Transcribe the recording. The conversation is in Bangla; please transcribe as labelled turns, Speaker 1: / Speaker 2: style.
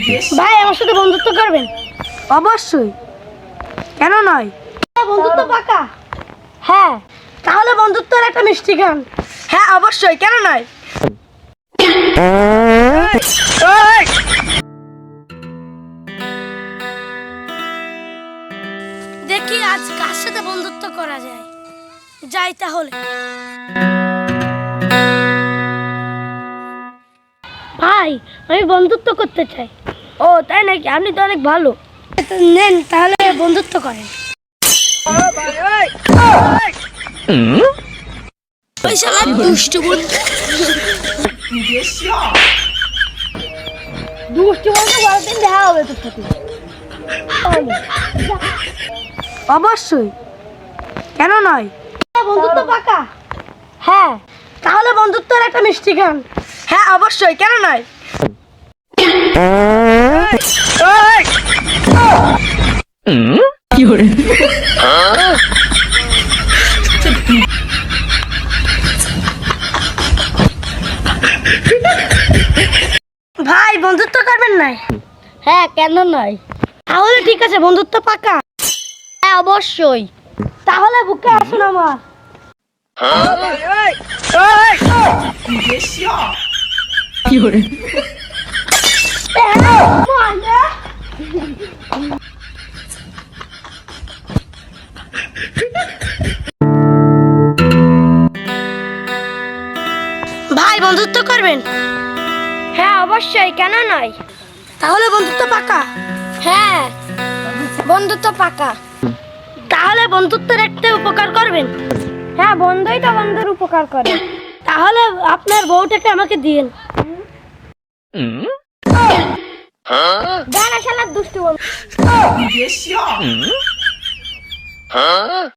Speaker 1: ভাই আমার সাথে বন্ধুত্ব করবেন?
Speaker 2: অবশ্যই, কেন নয়?
Speaker 1: বন্ধুত্ব পাকা? হ্যাঁ। তাহলে বন্ধুত্বের একটা মিষ্টি গান।
Speaker 2: হ্যাঁ অবশ্যই, কেন নয়?
Speaker 1: দেখি আজ কার সাথে বন্ধুত্ব করা যায়। যাই তাহলে। ভাই আমি বন্ধুত্ব করতে চাই। ও তাই নাকি? আপনি তো অনেক ভালো। নেন তাহলে বন্ধুত্ব করেন। ওই শালা দুষ্টু বন্ধু। দুষ্টু বন্ধু বলতেন দেখা হবে তোর সাথে।
Speaker 2: অবশ্যই, কেন নয়?
Speaker 1: বন্ধুত্ব পাকা? হ্যাঁ। তাহলে বন্ধুত্বের একটা মিষ্টি গান।
Speaker 2: হ্যাঁ অবশ্যই, কেন নয়?
Speaker 1: ভাই বন্ধুত্ব করবেন নাই? হ্যাঁ, কেন নয়? তাহলে ঠিক আছে, বন্ধুত্ব পাকা? হ্যাঁ অবশ্যই। তাহলে বুকে আসুন আমার। ভাই বন্ধুত্ব করবেন? হ্যাঁ অবশ্যই, কেন নয়? তাহলে বন্ধুত্ব পাকা? হ্যাঁ বন্ধুত্ব পাকা। তাহলে বন্ধুত্বের একটা উপকার করবেন? হ্যাঁ, বন্ধুই তো বন্ধুর উপকার করে। তাহলে আপনার বউটাকে আমাকে দিয়েন। গান শালা দুষ্টু বন্ধু।